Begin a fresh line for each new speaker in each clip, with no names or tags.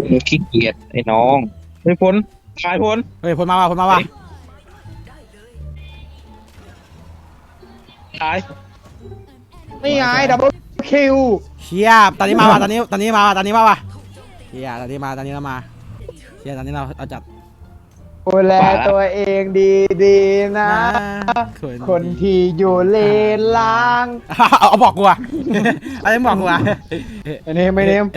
ขี้เกียจไอ้น้องไม่พ้นตายพ้น
เฮ้ยพ้นมาว่ะพ้นมาว่ะ
ตาย
นี่ไงดับเบิลคิว
เชียตอนนี้มาว่ะตอนนี้มาว่ะตอนนี้มาว่ะเชียตอนนี้เรามาเชียตอนนี้เราจัด
ดูแลตัวเองดีๆนะคนที่อยู่เลนล่าง
เอาบอกกูอ่ะอะไรบอกกูอ่ะ
เนมไม่เนม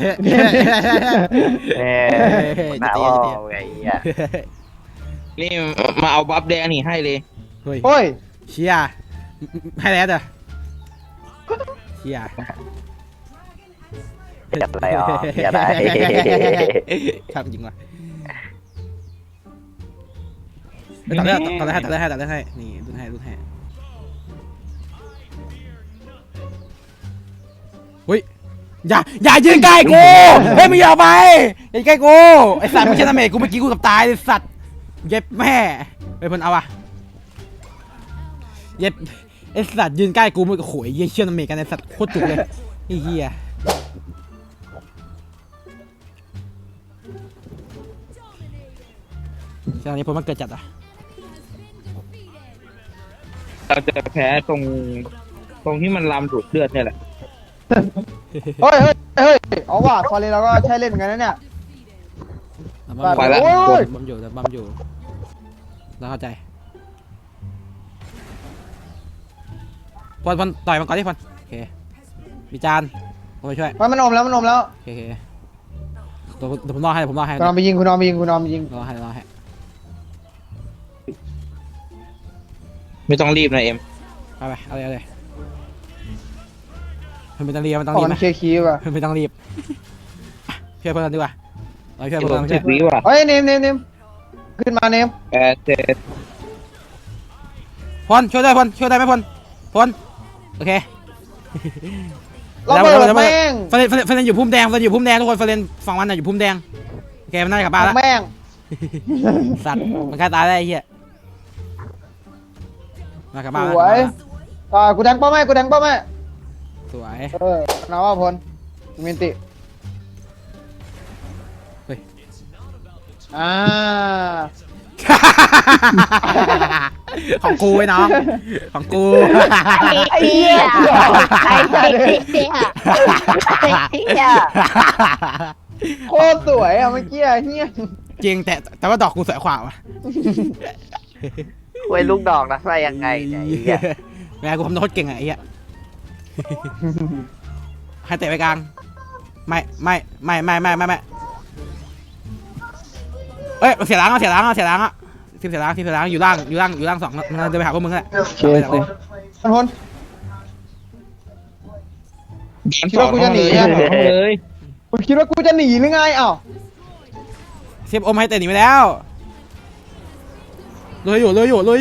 หนาวไงอ่ะ
นี่มาเอาบัฟแดงนี่ให้เลย
เฮ้ยเชียให้แล้วเด้อเชีย
จับอะไรอ๋ออย่าได้
ทำจริงว่ะตัดได้ให้นี่ดูให้เฮ้ยอย่ายืนใกล้กูเฮ้ยไม่ยอมไปอย่าใกล้กูไอ้สัตว์ไม่ใช่ทำเมกูเมื่อกี้กูกับตายไอ้สัตว์เย็บแม่ไปพ้นเอาอะเย็บไอ้สัตว์ยืนใกล้กูมึงโอ้ยเยี่ยเชื่อทำเมกันไอ้สัตว์โคตรจุกเลยไอ้เหี้ยตอนนี้พ้นมันเกิดจัดอะ
เราจะแพ้ตรงที่มันลามดูดเลือดเนี่ยแหละ
เฮ้ยเอาว่ะฟอร์เรนเราก็ใช้เล่นเหมือนกันนะเนี่ย
ไปแล้ว
บัมอยู่แล้วเข้าใจพอนต่อยมันก่อนที่พอนโอเคมีจานผมไปช่วย
มันอมแล้ว
โอเคตัวผมรอให้
คุณนอนไปยิงรอ
ให้
ไม่ต้องรีบนะเอ็ม
ไปเอาเลยมันไม่ต้องรีบ
มันเคลียร์คีย์ว่ะ
ไม่ต้องรีบช่วยเพื่อนดีกว่าเราช่วยเพื่อน
ช่วยวิว่ะ
เฮ้ยเนมขึ้นมาเนม
7
พอนช่วยได้ไหมพอนโอเค
เราเปิดแม่ง
เฟรนอยู่พุ่มแดงทุกคนเฟรนฝั่งมันน่ะอยู่พุ่มแดงโอเคมันน่าจะกลับบ้านแล้ว
แม่ง
สัตว์มันกล้าตายได้ไอ้เหี้ยมากลับบ้าน
สวยกูแดงป้อแม่
สวย
น้าว่าพลมินติ
เฮ้ยของกูไอ้น้องของกู
ไอ้เหี้ย
โคตรสวยอ่ะเมื่อกี้เฮีย
จริงแต่ว่าดอกกูสวยกว่าว่ะ
ไว้ลูกดอกนะใส่ยังไงเนี่ย
แม่กูทำโน้ตเก่งไอ้เหี้ยให้เตะไปกลางไม่เอ้ยเสียล้างทีมเสียล้างอยู่ล่าง2มันจะไปหาพวกมึงแหละ
พลคิดว่ากูจะหนี
เลย
คุณคิดว่ากูจะหนีหรือไงอ้าว
เซฟอมให้เตะหนีไปแล้วเลยอยู่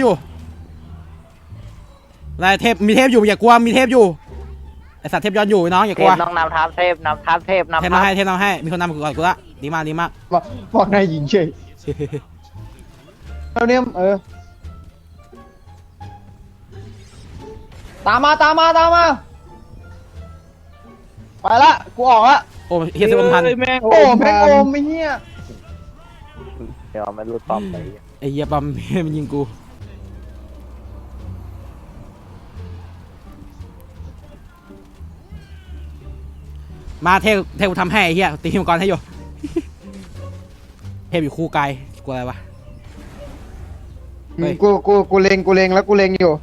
อะไรเทพมีเทพอยู่อย่ากลัวมีเทพอยู่ไอสัตว์เทพย้อนอยู่น้องอย่ากลัว
น้องนำทัพเทพนำ
ให้มีคนนำก่อนกูละดีมาก
บอกนายหญิงเฉยเราเนี่ยตามมาไปละกูออกละ
โอ้เฮียเซฟพัน
แม่งไม่เฮีย
เดี๋ยวมันรูดปอมไป
ไอเฮียปั๊มมันยิงกูมาเทพกูทำให้ไอ้เฮียตีมังกรให้อยู่เทพอยู่คู่ไกลกลัวอะไรวะ
กูเล็งแล้วกูเล็งอยู่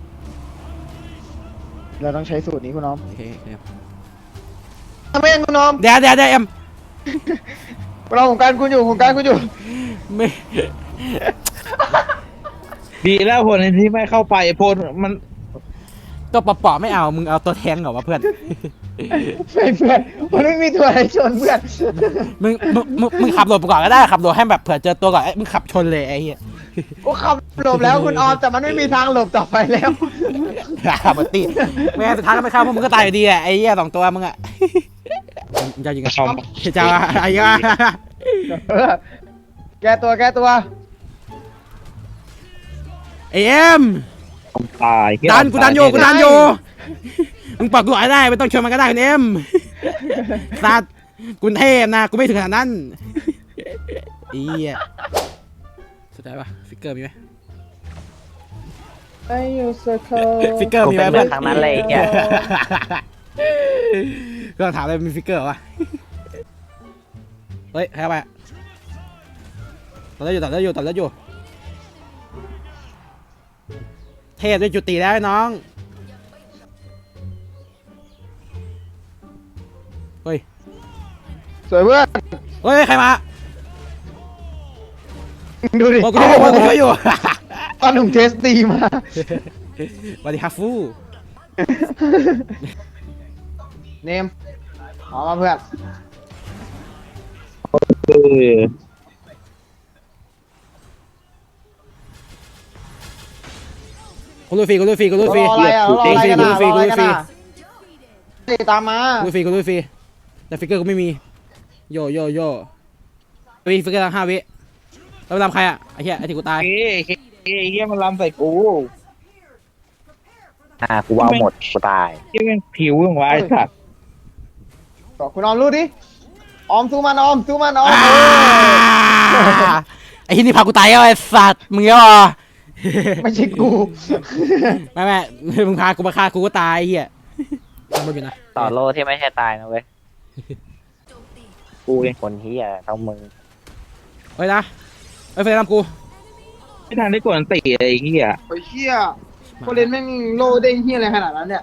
เราต้องใช้สูตรนี้คุณน้อง
โอเค
ทำไมคุณน้อง
เดี๋ยวเอ็ม
เราของการคุณอยู่
ไม่
ดีแล้วพลที่ไม่เข้าไปพลมัน
ตัวปอไม่เอามึงเอาตัวแทงเหรอวะเพื่อน
มันไม่มีตัวอะไรชนเพื่อน
มึงขับรถไปก่อนก็ได้ขับรถให้แบบเผื่อเจอตัวก่อนมึงขับชนเลยไอ้เหี้ย
กูขับหลบแล้วคุณออมแต่มันไม่มีทางหลบต่อไปแล้ว
ขับมาตีแม่สุดท้ายก็ไม่เข้าพวกมึงก็ตายอยู่ดีแหละไอ้เหี้ย2ตัวมึงอะจะยิงกันชมจะไอ้เหี้ย
แก้ตัว
เอ็ม
ตาย
กูดันอยู่มึงปรับกูได้ไม่ต้องชวนมันก็ได้คุณเอ็มสัตว์กูเทพนะกูไม่ถึงขนาดนั้นอีอ่ะสุดท้ายปะฟิกเกอร์มีไหม
ไอ้ยูเซอร์เคิล
ฟิกเกอร์
กู
มีไหม
เป็น
เพื่
เรื่
อ
อน งทางนั้นเลยเนี่ย
ก็ถามเลยมีฟิกเกอร์วะเฮ้ยใครเอาไปตัดแล้วอยู่เทพด้วยจุติแล้วน้องเฮ้ย
สวยเพื่อน
เฮ้ยใครมา
ดูดิ
โอ้กูช่วยอยู่
ตอนหนุ่มเทสตีมา
สวัสดีครับฟู
เนมออกมาเพื่อน
เออ
กูลุยฟรี
รออะไรอ่ะรออะไรกันอ่ะรออะไรกันอ่ะตามมา
กูลุยฟรีแต่ฟิกเกอร์กูไม่มีโยฟิกเกอร์ตั้ง5 วิแล้วไปทำใครอ่ะไอ้เหี้ยไอ้ที่กูตาย
เฮ้ยเฮียมันลำใส่กู
กูเอาหมดกูตาย
เฮียแม่งผิวอย่างวะไอ้สัตว์
บอกคุณออมรู้ดิออมสู้มันออม
ไอ้ที่นี่พากูตายแล้วไอ้สัตว์มึงเหรอ
ไม่ใช่กู
ไม่มึงพากูมาฆ่ากูก็ตายไอ้เหี้ยทำมันอยู่นะ
ต่อโลที่ไม่ใช่ตายนะเว้ย
กูเอง
คนเฮียต้องมึง
เฮ้ยนะเฮ้ยเฟรนทำกู
ไม่ทันได้กดอันตีไอ้เฮีย
โอ้ยเชี่ยโคเรนแม่งโลเด้งเฮียอะไรขนาดนั้นเนี่ย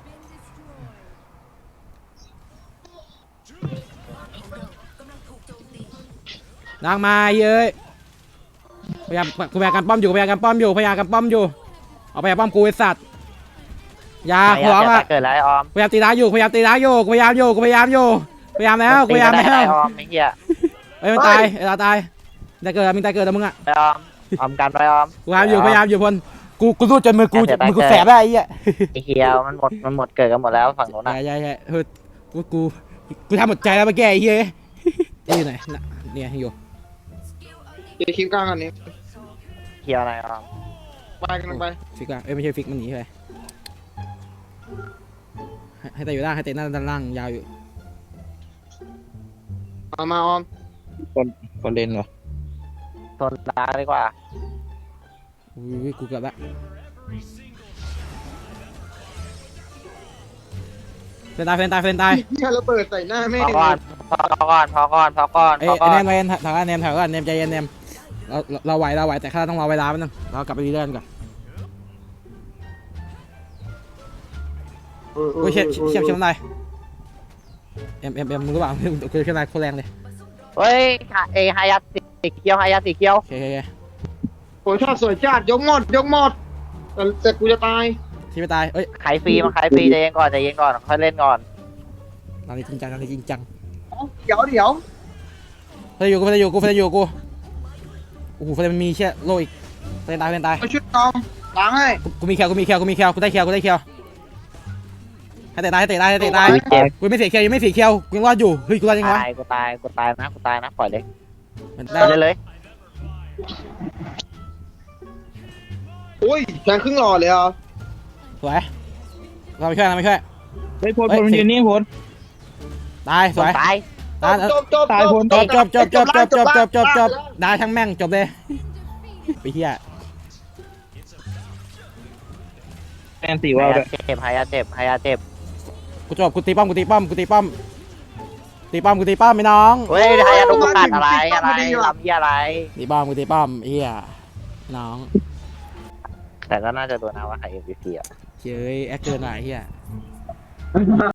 นางมาเย้ยพยายามกูพยายามกันป้อมอยู่เอาไปพยายามป้อมกูไอ้สัตว์ยาขวางอ่ะ
เกิดแล้วไอ้ออม
พยายามตีร้ายอยู่พยายามแล้ว
ตีก็ได้ไอ้ออมไอ้เฮีย
เอ้ยมันตายไอ้ตาตายแต่เกิดมึงตายเกิดแล้วมึงอ่ะ
ไอ้ออมกันไปออม
พยายามอยู่พลกูรู้จนมือกูแสบได้ไอ้เหี้ย
ไอ้เฮียมันหมดเกิดกันหมดแล้วฝั่งโน้นอ่ะ
ใช่เฮ้ยกูทำหมดใจแล้วมาแก้ไอ้เหี้ยนี่อยู่ไหนน่ะเนี่ยอยู่
เดี๋ยวคลิปกลางกันนี้
เฮียอะไรออม
ไปกันไป
ฟิกอ่ะเอ้ยไม่ใช่ฟิกมันหนีไปให้แต่อยู่ล่างให้แต่หน้าด้านล่างยาวอยู่
เอามาออม
คนเล่นวะ
โซนดาร์กดีกว่า
อุ้ยกูเกือบละเฟนตาย
เฮียระเบิดใส่หน้าแม่
พอก่อน
เอ้ยแนมถอยก่อนแนมใจเย็นแนมเราไหวแต่ข้าต้องรอเวลาแป๊บนึงเรากลับไปรีเดิร์นก่อนโอ้ยเชี่ยอะไรเอ็มมึงรู้เปล่ากูเชี่ยอะไรโคตรแรงเลย
เฮ้ยไฮยัตสีเขียว
โอเค
โอ้ยชอบสวยจัดยกหมดแต่กูจะตาย
ที่ไม่ตายเอ้ย
ขายฟรีใจเย็นก่อนค่อยเล่นก่อน
ตอนนี้จริงจัง
เดี๋ยว
เฟนอยู่กูโอ้โหเฟนมันมีเชี่ยโลอีกเฟนตาย
มาชุดกองล้างให้
กูมีแคลกูได้แคลให้เตะตายกูไม่เสียแคลยังไม่เสียแคลกูยังรอดอยู่เฮ้ยกูรอดยังไงวะ
กูตายนะปล่อยเลย
มัน
ปล่อยเลย
โอ้ยแทงครึ่งหลอดเลยอ่ะ
สวยเราไม่ช่วย
เฮ้ยพลมันยืนนี่พล
ตายสวย
ตาย
จบ
ได้ทั้งแม่งจบเลยไปเฮีย
แอนตีว่าวด้วย
ไฮยัตเจ็บ
กูจบกูตีป้อมไม่น้อง
เฮ้ยไฮยัตลูกประกาศอะไรลำยี่อะไร
ตีป้อมเฮียน้อง
แต่ก็น่าจะโดนนะว่าใคร MVP อ่ะ
เฮ้ยแอคเกินหน่อยเฮีย